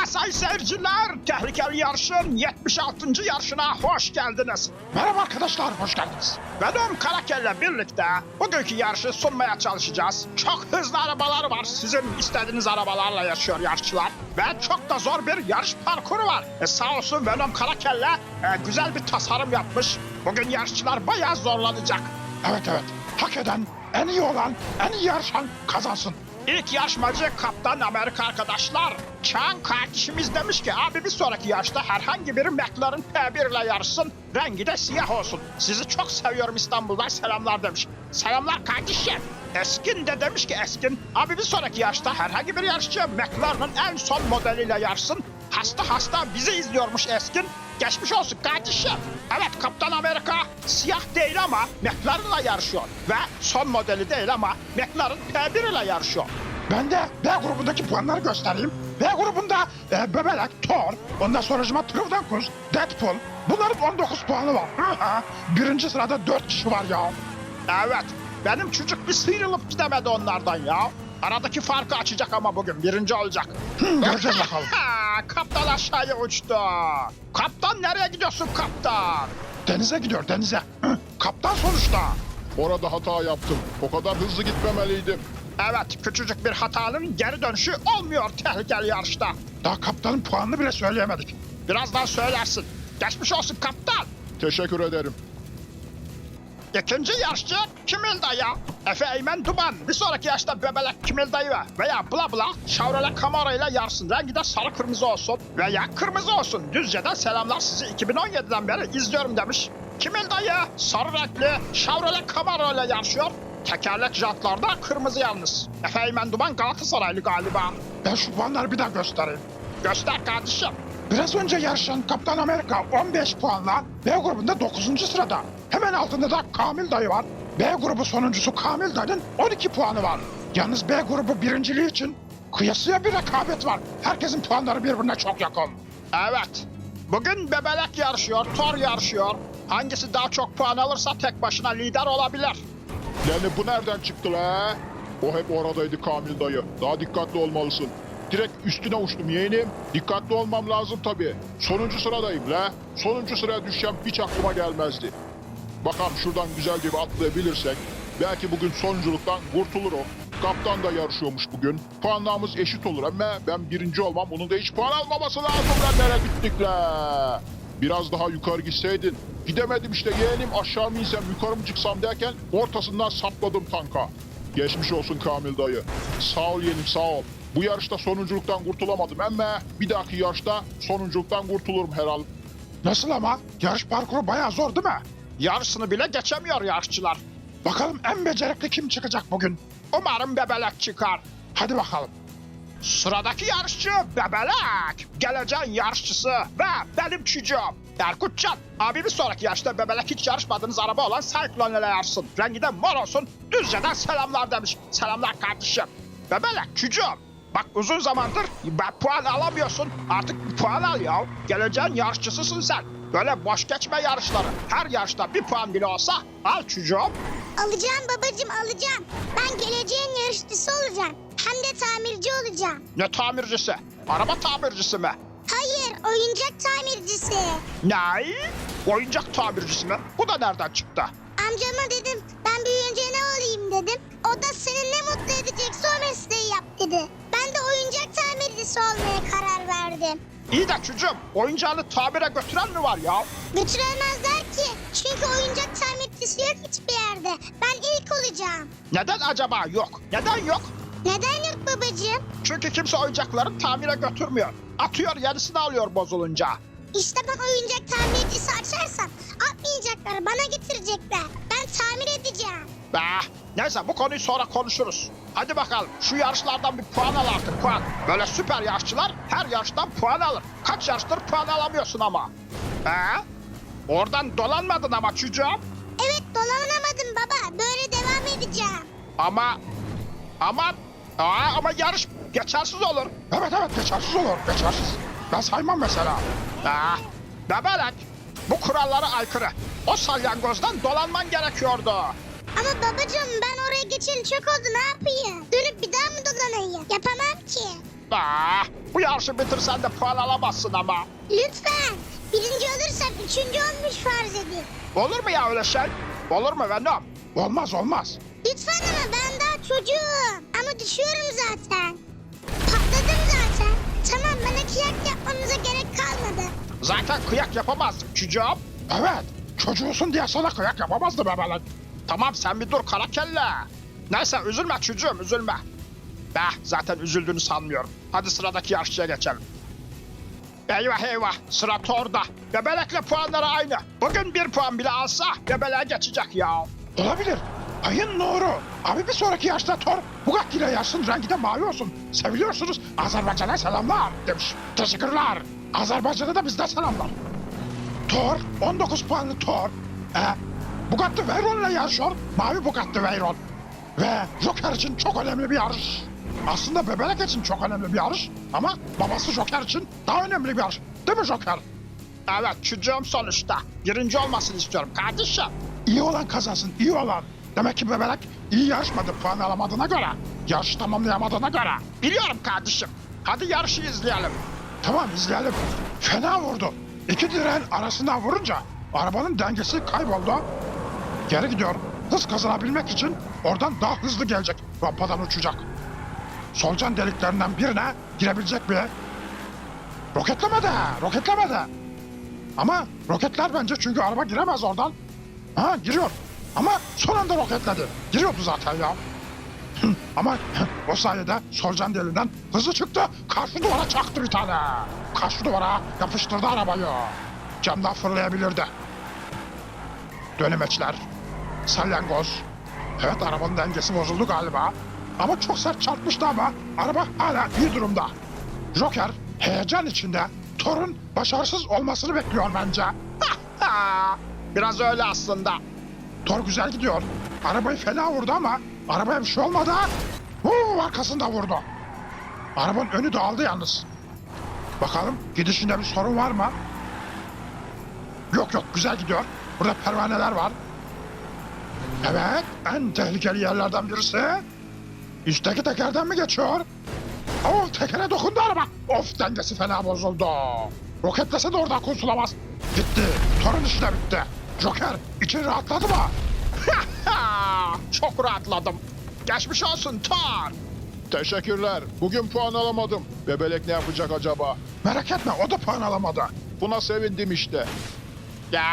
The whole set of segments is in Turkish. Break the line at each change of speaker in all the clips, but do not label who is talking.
Sayın seyirciler, tehlikeli yarışın 76. yarışına hoş geldiniz. Merhaba arkadaşlar, hoş geldiniz. Benim Karakel'le birlikte bugünkü yarışı sunmaya çalışacağız. Çok hızlı arabalar var, sizin istediğiniz arabalarla yaşıyor yarışçılar. Ve çok da zor bir yarış parkuru var. Sağ olsun Venom Karakel'le güzel bir tasarım yapmış. Bugün yarışçılar bayağı zorlanacak. Evet, hak eden, en iyi olan, en iyi yarışan kazansın. İlk yarışmacı Kaptan Amerika arkadaşlar. Çağan kardeşimiz demiş ki abi bir sonraki yarışta herhangi biri McLaren P1 ile yarışsın. Rengi de siyah olsun. Sizi çok seviyorum İstanbul'dan selamlar demiş. Selamlar kardeşim. Eskin de demiş ki Eskin abi bir sonraki yarışta herhangi bir yarışçı McLaren'ın en son modeliyle yarışsın. Hasta bizi izliyormuş Eskin. Geçmiş olsun kardeşim. Evet Kaptan Amerika siyah değil ama McLaren'la yarışıyor. Ve son modeli değil ama McLaren P1 ile yarışıyor. Ben de B grubundaki puanları göstereyim. B grubunda Bebelek, Thor, ondan sonracıma Trivdankus, Deadpool. Bunların 19 puanı var. Birinci sırada 4 kişi var ya. Evet benim çocuk bir sıyrılıp gidemedi onlardan ya. Aradaki farkı açacak ama bugün birinci olacak. Göreceğiz bakalım. Kaptan aşağıya uçtu. Kaptan nereye gidiyorsun kaptan? Denize gidiyor denize. Kaptan sonuçta.
Orada hata yaptım. O kadar hızlı gitmemeliydim.
Evet küçücük bir hatanın geri dönüşü olmuyor tehlikeli yarışta. Daha kaptanın puanını bile söyleyemedik. Birazdan söylersin. Geçmiş olsun kaptan.
Teşekkür ederim.
İkinci yarışçı Kimil Dayı. Efe Eymen Duman. Bir sonraki yarışta Bebelek Kimil Dayı veya Bla Bla Chevrolet Camaro ile yarışsın. Rengi de sarı kırmızı olsun veya kırmızı olsun. Düzce'den selamlar sizi 2017'den beri izliyorum demiş. Kimil Dayı sarı renkli Chevrolet Camaro ile yarışıyor. Tekerlek jantlarda kırmızı yalnız. Efe Eymen Duman Galatasaraylı galiba. Ben şu puanları bir daha göstereyim. Göster kardeşim. Biraz önce yarışan Kaptan Amerika 15 puanla B grubunda 9. sırada. Hemen altında da Kamil Dayı var. B grubu sonuncusu Kamil Dayı'nın 12 puanı var. Yalnız B grubu birinciliği için kıyasıya bir rekabet var. Herkesin puanları birbirine çok yakın. Evet. Bugün Bebelek yarışıyor, Thor yarışıyor. Hangisi daha çok puan alırsa tek başına lider olabilir.
Yani bu nereden çıktı la? O hep oradaydı Kamil dayı. Daha dikkatli olmalısın. Direkt üstüne uçtum yeğenim. Dikkatli olmam lazım tabii. Sonuncu sıradayım la. Sonuncu sıraya düşeceğim hiç aklıma gelmezdi. Bakalım şuradan güzelce bir atlayabilirsek. Belki bugün sonunculuktan kurtulur o. Kaptan da yarışıyormuş bugün. Puanlarımız eşit olur ama ben birinci olmam. Onun da hiç puan almaması lazım lan. Nereye gittik la? Biraz daha yukarı gitseydin. Gidemedim işte yeğenim, aşağı mı insem yukarı mı çıksam derken ortasından sapladım tanka. Geçmiş olsun Kamil dayı. Sağ ol yeğenim sağ ol. Bu yarışta sonunculuktan kurtulamadım ama bir dahaki yarışta sonunculuktan kurtulurum herhalde.
Nasıl ama? Yarış parkuru bayağı zor değil mi? Yarısını bile geçemiyor yarışçılar. Bakalım en becerikli kim çıkacak bugün? Umarım Bebelek çıkar. Hadi bakalım. Sıradaki yarışçı Bebelek. Geleceğin yarışçısı ve benim çocuğum. Erkutcan, abi bir sonraki yarışta Bebelek hiç yarışmadığınız araba olan Cyclone ile yarışsın. Rengi de mor olsun. Düzce'den selamlar demiş. Selamlar kardeşim. Bebelek çocuğum. Bak uzun zamandır puan alamıyorsun. Artık bir puan al ya. Geleceğin yarışçısısın sen. Böyle boş geçme yarışları. Her yarışta bir puan bile olsa al çocuğum.
Alacağım babacığım alacağım. Ben geleceğin yarışçısı olacağım. Hem de tamirci olacağım.
Ne tamircisi? Araba tamircisi mi?
Hayır, oyuncak tamircisi.
Ne? Oyuncak tamircisi mi? Bu da nereden çıktı?
Amcama dedim ben büyüyünce ne olayım dedim. O da seni ne mutlu edecekse o mesleği yap dedi. Ben de oyuncak tamircisi olmaya karar verdim.
İyi de çocuğum oyuncağını tamire götüren mi var ya?
Götüremezler ki. Çünkü oyuncak tamircisi yok hiçbir yerde. Ben ilk olacağım.
Neden acaba yok? Neden yok?
Neden yok babacığım?
Çünkü kimse oyuncakları tamire götürmüyor. Atıyor yenisini alıyor bozulunca.
İşte ben oyuncak tamircisi açarsam atmayacaklar bana getirecekler. Ben tamir edeceğim.
Neyse bu konuyu sonra konuşuruz. Hadi bakalım şu yarışlardan bir puan al artık puan. Böyle süper yarışçılar her yarıştan puan alır. Kaç yarıştır puan alamıyorsun ama. Oradan dolanmadın ama çocuğum.
Evet dolanamadım baba. Böyle devam edeceğim.
Ama yarış geçersiz olur. Evet geçersiz olur geçersiz. Ben saymam mesela. Bebelek bu kurallara aykırı. O salyangozdan dolanman gerekiyordu.
Ama babacığım ben oraya geçeli çok oldu ne yapayım? Dönüp bir daha mı dolanayım? Yapamam ki.
Bu yarışı bitirsen de puan alamazsın ama.
Lütfen. Birinci olursam üçüncü olmuş farz edin.
Olur mu ya öyle şey? Olur mu Venom? Olmaz olmaz.
Lütfen ama ben daha çocuğum. Ama düşüyorum zaten. Patladım zaten. Tamam bana kıyak yapmamıza gerek kalmadı.
Zaten kıyak yapamazdık çocuğum. Evet. Çocuğusun diye sana kıyak yapamazdım hemen. Tamam sen bir dur kara kelle. Neyse üzülme çocuğum üzülme. Zaten üzüldüğünü sanmıyorum. Hadi sıradaki yarışçıya geçelim. Eyvah eyvah sıra Thor'da. Bebelekle puanları aynı. Bugün bir puan bile alsa bebeleğe geçecek ya. Olabilir. Ayın nuru. Abi bir sonraki yarışta Thor Bugatti ile yarışsın, rengi de mavi olsun. Seviliyorsunuz. Azerbaycan'a selamlar demiş. Teşekkürler. Azerbaycan'a da bizden selamlar. Thor 19 puanlı Thor. Bugatti Veyron ile yarışıyor. Mavi Bugatti Veyron. Ve Joker için çok önemli bir yarış. Aslında bebelek için çok önemli bir yarış. Ama babası Joker için daha önemli bir yarış. Değil mi Joker? Evet çocuğum sonuçta. Birinci olmasını istiyorum kardeşim. İyi olan kazansın, iyi olan. Demek ki bebelek iyi yarışmadı puan alamadığına göre. Yarışı tamamlayamadığına göre. Biliyorum kardeşim. Hadi yarışı izleyelim. Tamam izleyelim. Fena vurdu. İki direğin arasından vurunca arabanın dengesi kayboldu. Geri gidiyor. Hız kazanabilmek için oradan daha hızlı gelecek. Rampadan uçacak. Solucan deliklerinden birine girebilecek mi? Roketlemedi. Ama roketler bence çünkü araba giremez oradan. Ha giriyor. Ama son anda roketledi. Giriyordu zaten ya. Ama o sayede solucan deliğinden hızlı çıktı. Karşı duvara çaktı bir tane. Karşı duvara yapıştırdı arabayı. Camdan fırlayabilirdi. Dönemeçler. Salyangoz. Evet arabanın dengesi bozuldu galiba. Ama çok sert çarpmıştı ama araba hala iyi durumda. Joker heyecan içinde Thor'un başarısız olmasını bekliyor bence. Biraz öyle aslında. Thor güzel gidiyor. Arabayı fena vurdu ama arabaya bir şey olmadı. Arkasında vurdu. Arabanın önü dağıldı yalnız. Bakalım gidişinde bir sorun var mı? Yok güzel gidiyor. Burada pervaneler var. Evet en tehlikeli yerlerden birisi. Üstteki tekerden mi geçiyor? Tekere dokundu araba. Dengesi fena bozuldu. Roketlese de oradan kurtulamaz. Gitti. Thor'un işi de bitti. Joker için rahatladı mı? Çok rahatladım. Geçmiş olsun Thor.
Teşekkürler. Bugün puan alamadım. Bebelek ne yapacak acaba?
Merak etme o da puan alamadı.
Buna sevindim işte.
Ya.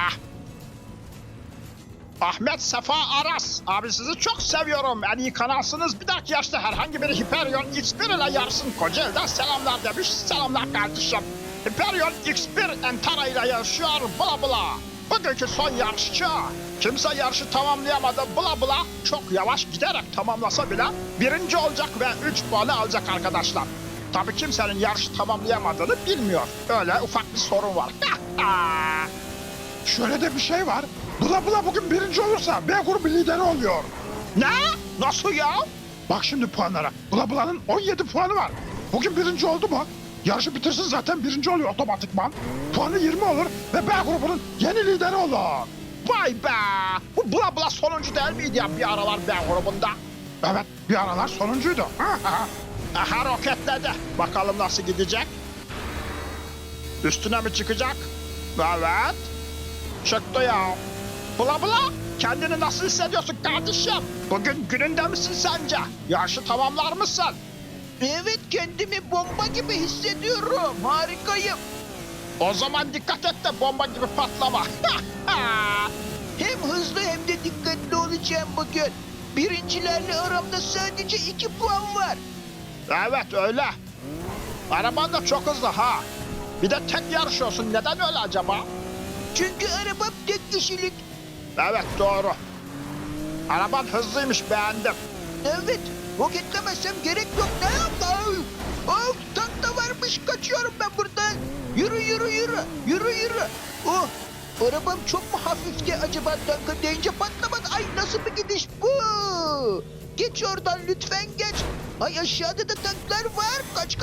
Ahmet Sefa Aras. Abi sizi çok seviyorum. En iyi kanalsınız. Bir dahaki yaşta herhangi bir Hyperion X1 ile yarışsın. Kocaeli'den selamlar demiş. Selamlar kardeşim. Hyperion X1 Entara ile yarışıyor. Bla bla. Bugünkü son yarışçı. Kimse yarışı tamamlayamadı. Bla bla. Çok yavaş giderek tamamlasa bile birinci olacak ve 3 puanı alacak arkadaşlar. Tabii kimsenin yarışı tamamlayamadığını bilmiyor. Öyle ufak bir sorun var. Şöyle de bir şey var. Bula bugün birinci olursa B grubu lideri oluyor. Ne? Nasıl ya? Bak şimdi puanlara. Bula'nın 17 puanı var. Bugün birinci oldu mu? Yarışı bitirsin zaten birinci oluyor otomatikman. Puanı 20 olur ve B grubunun yeni lideri olur. Vay be! Bu Bula sonuncu değil miydi ya bir aralar B grubunda? Evet bir aralar sonuncuydu. Aha roketledi. Bakalım nasıl gidecek? Üstüne mi çıkacak? Evet. Çıktı ya. Bula kendini nasıl hissediyorsun kardeşim? Bugün gününde misin sence? Yarışı tamamlar mısın?
Evet kendimi bomba gibi hissediyorum. Harikayım.
O zaman dikkat et de bomba gibi patlama.
Hem hızlı hem de dikkatli olacağım bugün. Birincilerle aramda sadece 2 puan var.
Evet öyle. Araban da çok hızlı ha. Bir de tek yarışıyorsun. Neden öyle acaba?
Çünkü arabam tek kişilik.
Evet doğru. Araban hızlıymış beğendim.
Evet roketlemezsem gerek yok. Ne yapayım? Tank da varmış kaçıyorum ben buradan. Yürü. Oh arabam çok mu hafifti acaba tanka deyince patlamadı. Ay nasıl bir gidiş bu? Geç oradan lütfen geç. Ay aşağıda da tanklar var. Kaç.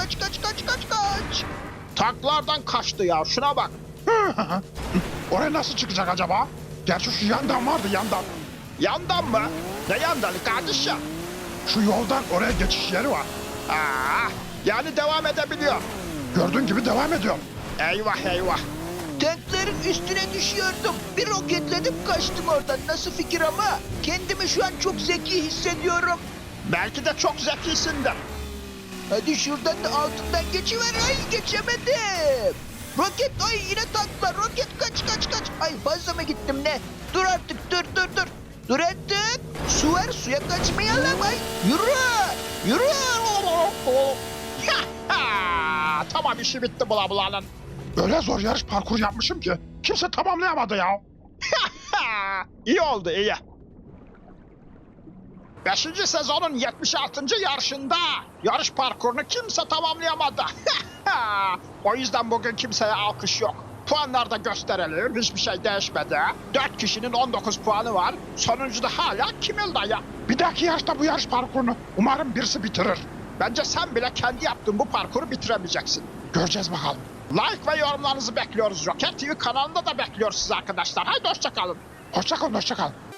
Tanklardan kaçtı ya şuna bak. Oraya nasıl çıkacak acaba? Gerçi şu yandan vardı yandan. Yandan mı? Ne yandanı kardeşim? Şu yoldan oraya geçiş yeri var. Yani devam edebiliyor.
Gördüğün gibi devam ediyor.
Eyvah eyvah.
Tankların üstüne düşüyordum. Bir roketledim kaçtım oradan. Nasıl fikir ama? Kendimi şu an çok zeki hissediyorum.
Belki de çok zekisindir.
Hadi şuradan da altından geçiver. Ay geçemedim. Roket ay yine tanklar. Roket kaç. Ay fazla mı gittim ne? Dur artık dur. Dur artık. Su var suya kaçmayalım ay. Yürü.
Tamam işi bitti bula bulanın.
Öyle zor yarış parkur yapmışım ki kimse tamamlayamadı ya.
İyi oldu iyi. 5. sezonun 76. yarışında yarış parkurunu kimse tamamlayamadı. O yüzden bugün kimseye alkış yok. Puanları da gösterelim. Hiçbir şey değişmedi. 4 kişinin 19 puanı var. Sonuncuda hala Kimil dayı.
Bir dahaki yarışta bu yarış parkurunu umarım birisi bitirir.
Bence sen bile kendi yaptığın bu parkuru bitiremeyeceksin.
Göreceğiz bakalım.
Like ve yorumlarınızı bekliyoruz. Roket TV kanalında da bekliyoruz sizi arkadaşlar. Haydi hoşçakalın.
Hoşça kalın.